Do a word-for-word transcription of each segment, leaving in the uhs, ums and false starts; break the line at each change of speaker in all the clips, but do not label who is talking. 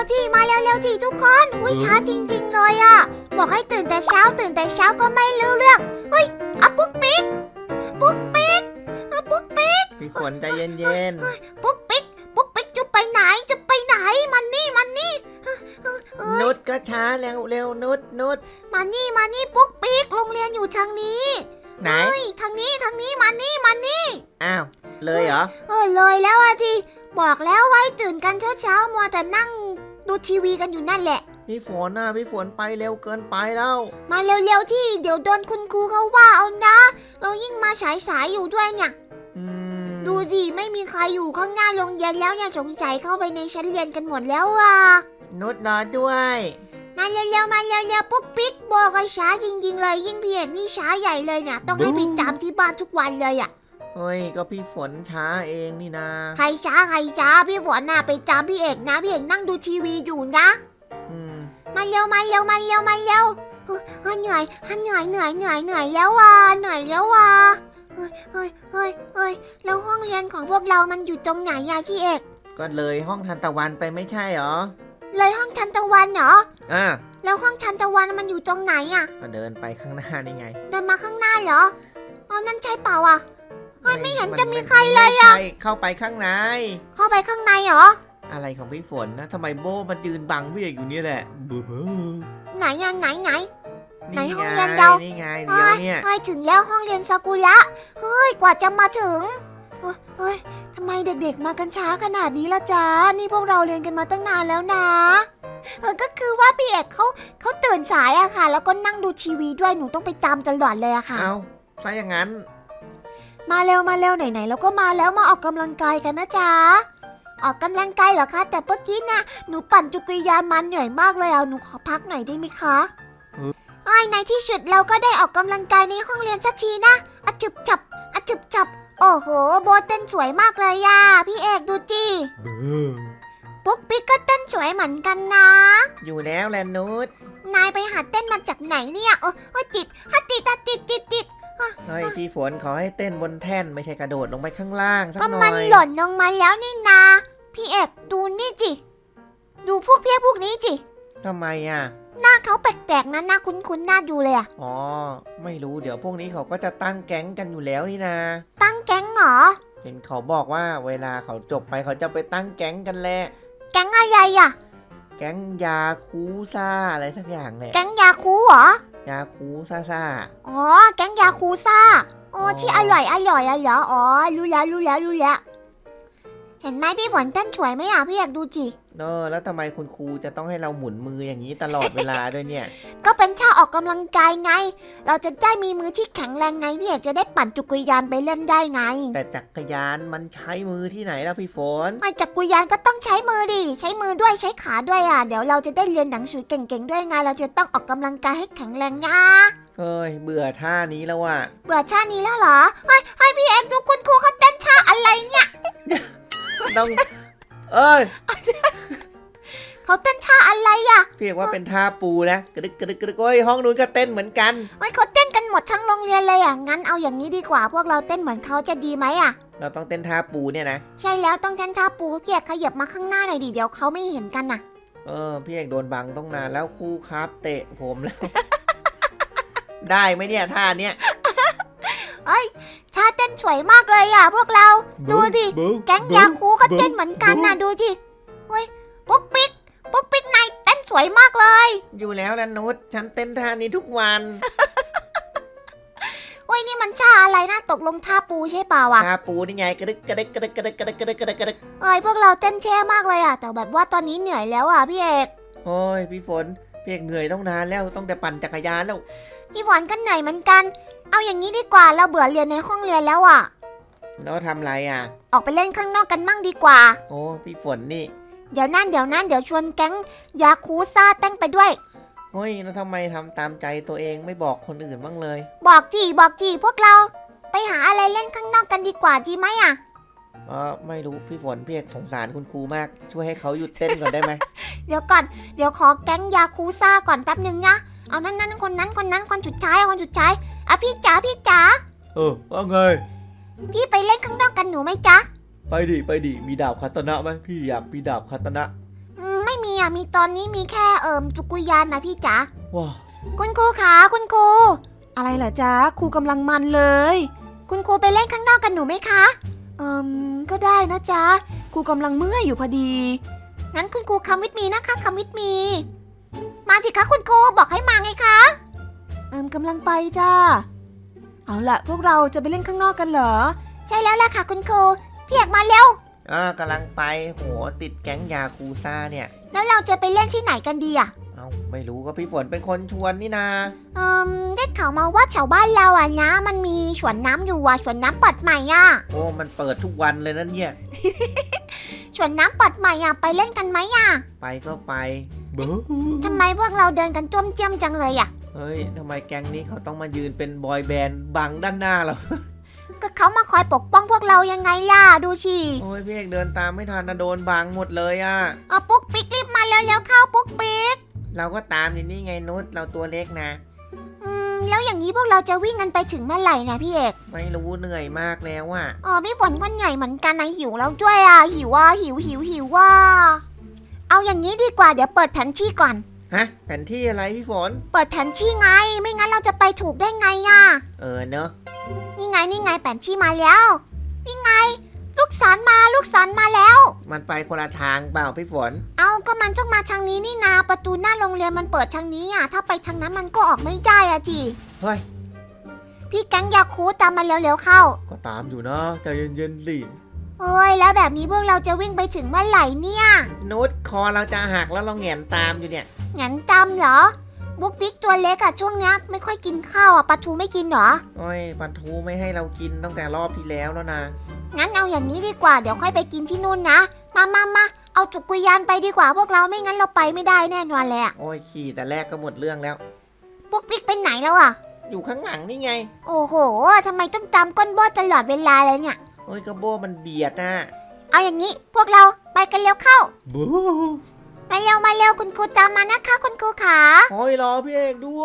วๆที่มาเร็วๆที่ทุกคนอุ้ยช้าจริงๆเลยอ่ะบอกให้ตื่นแต่เช้าตื่นแต่เช้าก็ไม่รู้เรื่องเฮ้ยอะปุ๊กปิ๊กปุ๊กปิ๊กอะปุ๊กปิ๊ก
พี่ฝนใจเย็น
ๆปุ๊กปิ๊กปุ๊กปิ๊กจะไปไหนจะไปไหนมันนี่มันนี่
นุชก็ช้าเร็วเร็วนุชนุช
มานี่มานี่ปุ๊กปิ๊กโรงเรียนอยู่ทางนี้
ไหน
ทางนี้ทางนี้มานี่มานี่
อ้าวเลยเหรอ
เออเลยแล้วอะทีบอกแล้วไว้ตื่นกันเช้าๆมัวแต่นั่งดูทีวีกันอยู่นั่นแหละ
พี่ฝนน่ะพี่ฝนไปเร็วเกินไปแล้ว
มาเร็วๆที่เดี๋ยวโดนคุณครูเขาว่าเอานะเรายิ่งมาสายๆอยู่ด้วยเนี่ยดูสิไม่มีใครอยู่ข้างหน้าโรงเรียนแล้วเนี่ยสงสัยเข้าไปในชั้นเรียนกันหมดแล้วอ่ะ
นุชรอด้วย
มาเร็วๆมาเร็วๆปุ๊กปิ๊กบอกว่าช้าจริงๆเลยยิ่งพี่เอกนี่ช้าใหญ่เลยเนี่ยต้องให้ไปจำที่บ้านทุกวันเลยอ่ะ
เฮ้ยก็พี่ฝนช้าเองนี่นะ
ใครช้าใครช้าพี่ฝนน่ะไปจำพี่เอกนะพี่เอกนั่งดูทีวีอยู่นะมาเร็วมาเร็วมาเร็วมาเร็วเฮ้ยเหนื่อยเหนื่อยเหนื่อยเหนื่อยเหนื่อยแล้วว่ะเหนื่อยแล้วว่ะเฮ้ยเฮ้ยเฮ้ยเฮ้ยแล้วห้องเรียนของพวกเรามันอยู่ตรงไหนอะพี่เอก
ก็เลยห้องทันตะวันไปไม่ใช่หรอ
เลยห้องทันตะวันเหรอ
อ่า
แล้วห้องทันตะวันมันอยู่ตรงไหนอะ
ก็เดินไปข้างหน้านี่ไง
เดินมาข้างหน้าเหรออ๋อนั่นใช่เปล่าอะเฮ้ยไม่เห็นจะมีใครเลยอะ
เข้าไปข้างใน
เข้าไปข้างในเหรอ
อะไรของพี่ฝนนะทำไมโบมันยืนบังพี่เอกอยู่นี่แหละเบ้อเบ้อ
ไหนอะไหนไหนไหนห้องเรียนเรา
นี่ไงเดี๋ยวเนี่ย
เฮ้ยถึงแล้วห้องเรียนซากุระเฮ้ยกว่าจะมาถึงเฮ้ยทำไมเด็กๆมากันช้าขนาดนี้ล่ะจ๊ะนี่พวกเราเรียนกันมาตั้งนานแล้วนะเออก็คือว่าพี่เอกเขาเขาตื่นสายอะค่ะแล้วก็นั่งดูทีวีด้วยหนูต้องไปตามตลอดเลยอะค่ะ
เอาซะอย่างนั้น
มาเร็วมาเร็วไหนๆแล้วก็มาแล้วมาออกกำลังกายกันนะจ๊ะออกกำลังกายเหรอคะแต่เมื่อกี้นะหนูปั่นจักรยานมันเหนื่อยมากเลยเอาหนูขอพักหน่อยได้ไหมคะไอ้ในที่สุดเราก็ได้ออกกำลังกายในห้องเรียนสักทีนะอะจึบจับอะจึบจับโอ้โหโบเต้นสวยมากเลยย่าพี่เอกดูจีปุ๊กปิ๊กก็เต้นสวยเหมือนกันนะ
อยู่แล้วแลนุช
นายไปหัดเต้นมาจากไหนเนี่ยเออติดฮัติดติดติดติด
เฮ้ยพี่ฝนขอให้เต้นบนแท่นไม่ใช่กระโดดลงไปข้างล่างสักหน่อย
ก็มันหล่นลงมาแล้วนี่นาพี่เอกดูนี่จิดูพวกเพี้ยพวกนี้จิ
ทำไมอ่ะ
หน้าเขาแปลกๆนะหน้าคุ้นๆหน้าดูเลยอ่ะ
อ๋อไม่รู้เดี๋ยวพวกนี้เขาก็จะตั้งแก๊งกันอยู่แล้วนี่นา
ตั้งแก๊งเหรอ
เห็นเขาบอกว่าเวลาเขาจบไปเขาจะไปตั้งแก๊งกันแหละ
แก๊งอะไรอ่ะ
แก๊งยาคูซ่าอะไรสักอย่างแหละ
แก๊งยาคูเหรอย
าคูซ่าซ่า
อ๋อแก๊งยาคูซ่าอ๋อที่อร่อยอร่อยอ่ะเหรออ๋อรู้แล้วรู้แล้วรู้แล้วเห็นไหมพี่ฝนเต้นสวยไหมอ่ะพี่อยากดูจิ
เออแล้วทำไมคุณครูจะต้องให้เราหมุนมืออย่างนี้ตลอดเวลาด้วยเนี่ย
ก็เป็นท่าออกกำลังกายไงเราจะได้มีมือที่แข็งแรงไงพี่อยากจะได้ปั่นจักรยานไปเล่นได้ไง
แต่จักรยานมันใช้มือที่ไหนล่ะพี่ฝน
ไอ้จักรยานก็ต้องใช้มือดิใช้มือด้วยใช้ขาด้วยอ่ะเดี๋ยวเราจะได้เรียนหนังสือเก่งๆด้วยไงเราจะต้องออกกำลังกายให้แข็งแรงนะ
เฮ้ยเบื่อท่านี้แล้วว่ะ
เบื่อท่านี้แล้วเหรอเฮ้ยให้พี่เอ็กดูคุณครูเขาเต้นท่าอะไรเนี่ย
ต้องเอ้ย
เขาเต้นท่าอะไรอ่ะ
พี่เอกว่าเป็นท่าปูนะกระดึกกระดึกกระดึกโอ้ยห้องนู้นก็เต้นเหมือนกัน
เฮ้ยเขาเต้นกันหมดทั้งโรงเรียนเลยอ่ะงั้นเอาอย่างนี้ดีกว่าพวกเราเต้นเหมือนเขาจะดีไหมอ่ะ
เราต้องเต้นท่าปูเนี่ยนะ
ใช่แล้วต้องเต้นท่าปูพี่เอกขยับมาข้างหน้าหน่อยดิเดี๋ยวเขาไม่เห็นกันน่ะ
เออพี่เอกโดนบังต้องนานแล้วครูครับเตะผมแล้ว ได้ไหมเนี่ยท่าเนี้ย
เอ้ยท่าเต้นสวยมากเลยอ่ะพวกเราดูดิแก๊งยาคูก็เต้นเหมือนกันนะดูดิเฮ้ยปุ๊กปิ๊กปุ๊กปิ๊กนายเต้นสวยมากเลย
อยู่แล้วล่ะนุชฉันเต้นท่านี้ทุกวัน
โอ้ยนี่มันท่าอะไรนะตกลงท่าปูใช่เปล่าอ่ะ
ท่าปูนี่ไงกระดึกกระดึกกระดึกกระดึกกระดึกกระดึกกระดึกกระดึก
เอ้ยพวกเราเต้นแช่มากเลยอ่ะแต่แบบว่าตอนนี้เหนื่อยแล้วอ่ะพี่เอก
โอ้ยพี่ฝนพี่เอกเหนื่อยต้องนานแล้วต้องแต่ปั่นจักรยานแล้ว
พี่ฝนก็เหนื่อยเหมือนกันเอาอย่างนี้ดีกว่าเราเบื่อเรียนในห้องเรียนแล้วอ่ะ
แล้วทำไรอ่ะ
ออกไปเล่นข้างนอกกันมั่งดีกว่า
โอ้พี่ฝนนี่
เดี๋ยวนั่นเดี๋ยวนั่นเดี๋ยวชวนแก๊งยาคูซ่าเต้นไปด้วย
เฮ้ยแล้วทำไมทำตามใจตัวเองไม่บอกคนอื่นบ้างเลย
บอกจีบอกจีพวกเราไปหาอะไรเล่นข้างนอกกันดีกว่าดีไหมอ่ะ
เออไม่รู้พี่ฝนพี่เอกสงสารคุณครูมากช่วยให้เขาหยุดเต้นก่อนได้ไหม
เดี๋ยวก่อนเดี๋ยวขอแก๊งยาคูซ่าก่อนแป๊บนึงนะเอานั่นนั่นคนนั้นคนนั้นคนสุดท้ายคนสุดท้ายอ่ะพี่จ๋าพี่จ๋า
เออว่าไง
พี่ไปเล่นข้างนอกกันหนูไหมจ๊ะ
ไปดิไปดิมีดาบคาตนะไหมพี่อยากมีดาบคาตนะ
อืมไม่มีอ่ะมีตอนนี้มีแค่เอิมจักรยานนะพี่จ๋า
ว้าว
คุณครูคะคุณครูอะไรเหรอจ๊ะครูกำลังมันเลย คุณครูไปเล่นข้างนอกกันหนูไหมคะเอิมก็ได้นะจ๊ะครูกำลังเมื่อยอยู่พอดีงั้นคุณครูคัมวิทมีนะคะคัมวิทมีมาสิคะคุณครูบอกให้มาไงคะเอิมกำลังไปจ้าเอาละพวกเราจะไปเล่นข้างนอกกันเหรอใช่แล้วล่ะค่ะคุณครูพี่เอกมาเร็ว
อ่ากำลังไปโหติดแก๊งยาคูซ่าเนี่ย
แล้วเราจะไปเล่นที่ไหนกันดีอ่ะ
เอาไม่รู้ก็พี่ฝนเป็นคนชวนนี่นา
เอิมได้ข่าวมาว่าแถวบ้านเราอ่ะนะมันมีสวนน้ำอยู่อ่ะสวนน้ำเปิดใหม่อ่ะ
โอ้มันเปิดทุกวันเลยนั่นเนี่ย
สวนน้ำเปิดใหม่อ่ะไปเล่นกันไหมอ่ะ
ไปก็ไปบู
ทำไมพวกเราเดินกันจ้วมเจียมจังเลยอ่ะ
เฮ้ยทำไมแก๊งนี้เขาต้องมายืนเป็นบอยแบนด์บังด้านหน้าเรา
ก็เขามาคอยปกป้องพวกเรายังไงล่ะดูสิ
โอ้ยพี่เอกเดินตามไม่ทันนะโดนบังหมดเลยอ่ะ
เอาปุ๊กปิ๊กรีบมาแล้วแล้วเข้าปุ๊กปิ๊ก
เราก็ตามอยู่นี่ไงนุชเราตัวเล็กนะ
อืมแล้วอย่างนี้พวกเราจะวิ่งกันไปถึงเมื่อไหร่นะพี่เอก
ไม่รู้เหนื่อยมากแล้วอ่ะ
อ๋อพี่ฝนก็เหนื่อยเหมือนกันนะหิวแล้วด้วยอ่ะหิวว่าหิวหิวหิวว่าเอาอย่างนี้ดีกว่าเดี๋ยวเปิดแผนที่ก่อน
ฮะแผนที่อะไรพี่ฝน
เปิดแผนที่ไงไม่งั้นเราจะไปถูกได้ไงอ่ะ
เออเนอะ
นี่ไงนี่ไงแผนที่มาแล้ว นี่ไง ลูกศรมาลูกศรมาแล้ว
มันไปคนละทางเปล่าพี่ฝน
เอาก็มันต้องมาทางนี้นี่นาประตูหน้าโรงเรียนมันเปิดทางนี้อ่ะถ้าไปทางนั้นมันก็ออกไม่ได้อ่ะจี
เฮ้ย
พี่แก๊งยาคูตามมาเร็วๆเข้า
ก็ตามอยู่นะใจเย็นๆสิ
เฮ้ยแล้วแบบนี้พวกเราจะวิ่งไปถึงเมื่อไหร่เนี่ย
นุชคอเราจะหักแล้วเราแหงนตามอยู่เนี่ย
งั้นจำเหรอบุ๊กบิ๊กตัวเล็กอะช่วงเนี้ยไม่ค่อยกินข้าวอะปลาทูไม่กินเหรอ
โอ้ยปันทูไม่ให้เรากินตั้งแต่รอบที่แล้วแล้วนะ
งั้นเอาอย่างนี้ดีกว่าเดี๋ยวค่อยไปกินที่นู่นนะมามามาเอาจักรยานไปดีกว่าพวกเราไม่งั้นเราไปไม่ได้แน่นอนเลยอะ
โอ้ยขี่แต่แรกก็หมดเรื่องแล้ว
บุ๊กบิ๊กไปไหนแล้วอะ
อยู่ข้างหลังนี่ไง
โอ้โหทำไมต้องตามก้นโบตลอดเวลาเลยเนี่ย
โอ้ยกระโบมันเบียดนะ
เอาอย่างนี้พวกเราไปกันเร็วเข้า
บู
มาเร็วมาเร็วคุณครูตามมานะคะคุณครูขา
โอ้ยรอพี่เอกด้วย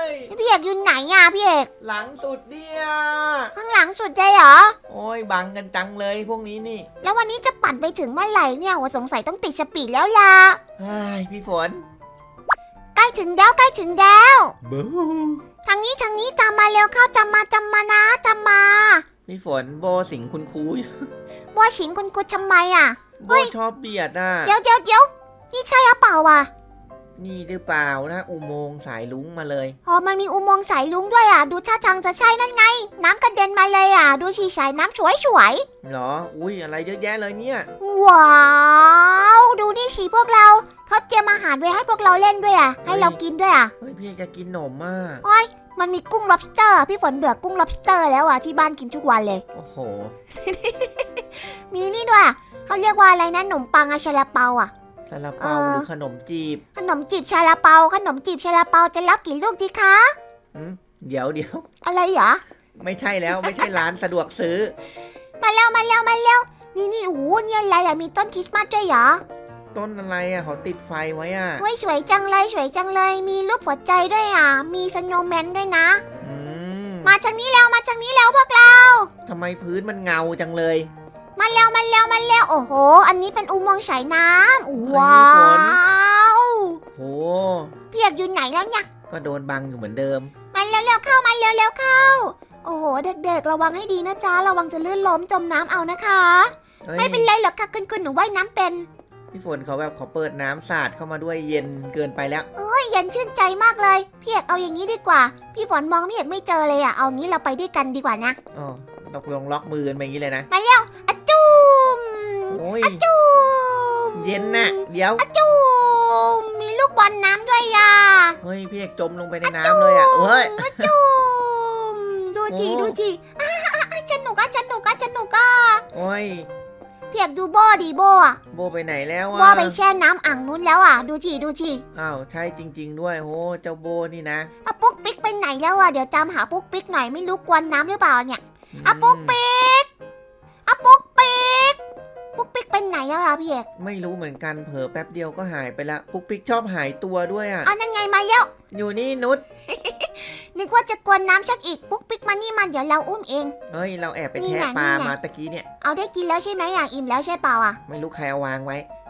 พี่เอกอยู่ไหนอะพี่เอก
หลังสุดเนี่ย
ข้างหลังสุดเลยเหรอ
โอ้ยบังกันจังเลยพวกนี้นี่
แล้ววันนี้จะปั่นไปถึงเมื่อไหร่เนี่ยว่าสงสัยต้องติดสปีดแล้วล่ะ
เฮ้ยพี่ฝน
ใกล้ถึงแล้วใกล้ถึงแล้ว
บู
ทางนี้ทางนี้ตามมาเร็วเข้าจำมาจำมานะจำมา
พี่ฝนโบสิงคุณครูอยู่
บัวฉิงคุณครูทำไมอ่ะ
โบชอบเบียดน่ะ
เดี๋ยวเดี๋ยวเดี๋ยวนี่ใช่หรือเปล่าวะ
นี่หรือเปล่านะอุโมงค์สายลุงมาเลย
อ๋อมันมีอุโมงค์สายลุงด้วยอ่ะดูท่าทางจะใช่นั่นไง น้ำกระเด็นมาเลยอ่ะดูชีสายน้ำสวยสวย
เหรออุ้ยอะไรเยอะแยะเลยเนี่ย
ๆว้าวดูนี่ฉีพวกเราเขาเตรียมอาหารไว้ให้พวกเราเล่นด้วยอ่ะให้เรากินด้วยอ่ะ
เฮ้ยพี่จะกินหนมมาก
โอ้ยมันมีกุ้ง lobster อะพี่ฝนเบื่อกุ้ง lobster แล้วอ่ะที่บ้านกินทุกวันเลย
โอ้โห
มีนี่ด้วยอะเขาเรียกว่าอะไรนะขนมปังอะชาลาเปาอะ
ซาลา
เอ่
เปา
อ
หรือขนมจีบ
ขนมจีบชาลาเปาขนมจีบชาลาเปาจะรับกี่ลูกดีคะ
อืมเดี๋ยวเดี๋ยว
อะไรเหรอ
ไม่ใช่แล้วไม่ใช่ร้านสะดวกซื้อ
มาเร็วมาเร็วมาเร็วนี่นี่โอ้โหนี่อะไรอะมีต้นคริสต์มาสด้วยเหรอ
ต้นอะไรอ่ะเขาติดไฟไว้อ่ะ
เฮ้ยสวยจังเลยสวยจังเลย มีรูปหัวใจด้วยอ่ะมีสโนว์แมนด้วยนะ
อืม
มาทางนี้แล้วมาทางนี้แล้วพวกเรา
ทำไมพื้นมันเงาจังเลย
มาเร็วมาเร็วมาเร็วโอ้โห อันนี้เป็นอุโมงค์สายน้ำว้า
ฝน
ว
โห
เปียกอยู่ไหนแล้วเนี่ย
ก็โดนบังอยู่เหมือนเดิม
มาเร็วๆเข้ามาเร็วๆเข้า โอ้โห เด็กๆ ระวังให้ดีนะจ๊ะ ระวังจะลื่นล้มจมน้ำเอานะคะ
เฮ้ย
ไม่เป็นไรหรอกค่ะคุณคุณหนูว่ายน้ำเป็น
พี่ฝนเขาแบบเขาเปิดน้ำสาดเข้ามาด้วยเย็นเกินไปแล้ว
เฮ้ยเย็นชื่นใจมากเลย พี่เอกเอาอย่างนี้ดีกว่า พี่ฝนมองพี่เอกไม่เจอเลยอะเอางี้เราไปด้วยกันดีกว่านะ
อ๋อตกลงล็อกมือกันไปอย่างนี้เลยนะ
มาเร็วอะจุม
โอ้ย
อะจุม
เย็นน่ะ เดี๋ยว
อะจุมมีลูกบอลน้ำด้วยอะ
เฮ้ยพี่เอกจมลงไปในน้ำเลยอ่ะเอ้ย
อะจุมดูจี
โอ้
ดูจีอ่ะอ่ะอ่ะสนุกอะสนุกอะสนุกอะ
โอ้ย
พี่เอกดูโบดีโบอะ
โบไปไหนแล้ว
โบ
อ่ะ
ไปแช่น้ำอ่างนู้นแล้วอะดูจีดูจี
อ้าวใช่จริง ๆ ด้วยโหเจ้าโบนี่นะ
อะปุ๊กปิ๊กไปไหนแล้วอะเดี๋ยวจำหาปุ๊กปิ๊กหน่อยไม่รู้กวนน้ำหรือเปล่าเนี่ยอะปุ๊กปิ๊กอะปุ๊กปิ๊กปุ๊กปิ๊กไปไหนแล้วอะพี่เอก
ไม่รู้เหมือนกันเผลอแป๊บเดียวก็หายไปละปุ๊กปิ๊กชอบหายตัวด้วยอ่ะ
อ๋อนั่นไงมาแล้ว
อยู่นี่นุช
นึกว่าจะกวนน้ำชักอีกปุ๊กปิ๊กมานี่มันเดี๋ยวเราอุ้มเอง
เอ้ยเราแอบไป
นี่
แทะ
ไง
ปลา
นี่ไง
มาตะกี้เนี่ย
เอาได้กินแล้วใช่ไหมอย่างอิ่มแล้วใช่เปล่าอะ
ไม่รู้ใครเอาวางไว้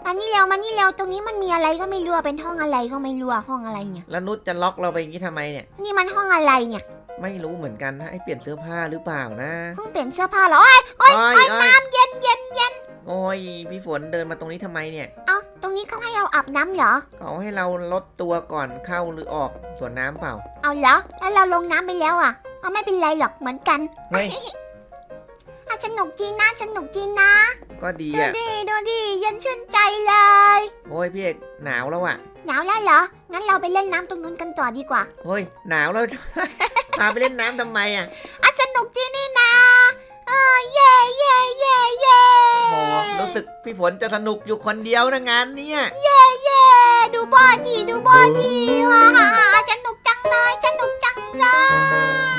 มานี่เร็วมานี่เร็วตรงนี้มันมีอะไรก็ไม่รู้อะเป็นห้องอะไรก็ไม่รู้อะห้องอะไรเนี่ย
แล้วนุชจะล็อกเราไปอย่างนี้ทำไมเนี่ย
นี่มันห้องอะไรเนี่ย
ไม่รู้เหมือนกันนะให้เปลี่ยนเสื้อผ้าหรือเปล่านะ
ห้องเปลี่ยนเสื้อผ้าเหรอโอ้ยโอ้ย
อ้อย
โอ้ย
อ้อย
น้ำเย็นเย็นเย็น
โอ้ยพี่ฝนเดินมาตรงนี้ทำไมเนี่ย
เอ้าตรงนี้เขาให้เราอาบน้ำเหรอ
เขาให้เราลดตัวก่อนเข้าหรือออกสวนน้ำเปล่า
เอาเหรอแล้วเราลงน้ำไปแล้วอ่ะเอาไม่เป็นไรหรอกเหมือนกัน
เฮ้ย
อ่ะสนุกจริงนะสนุกจริงนะ
ก็ดี
ดู
อ่ะ
ดิดูดิเย็นชื่นใจเลย
โอ้ยพี่เอกหนาวแล้วอ่ะ
หนาวแล้วเหรองั้นเราไปเล่นน้ำตรงนู้นกันต่อดีกว่า
เฮ้ยหนาวแล้ว พาไปเล่นน้ำทำไมอ่ะ
อ่ะสนุกจริงนี่นะเออเย่เย่เย่เย่
โอ้รู้สึกพี่ฝนจะสนุกอยู่คนเดียวนะงานเนี่ย
เย่เย่ดูบอจีดูบอจีฮ่าฮ่าฮ่าสนุกจังเลยสนุกจังเลย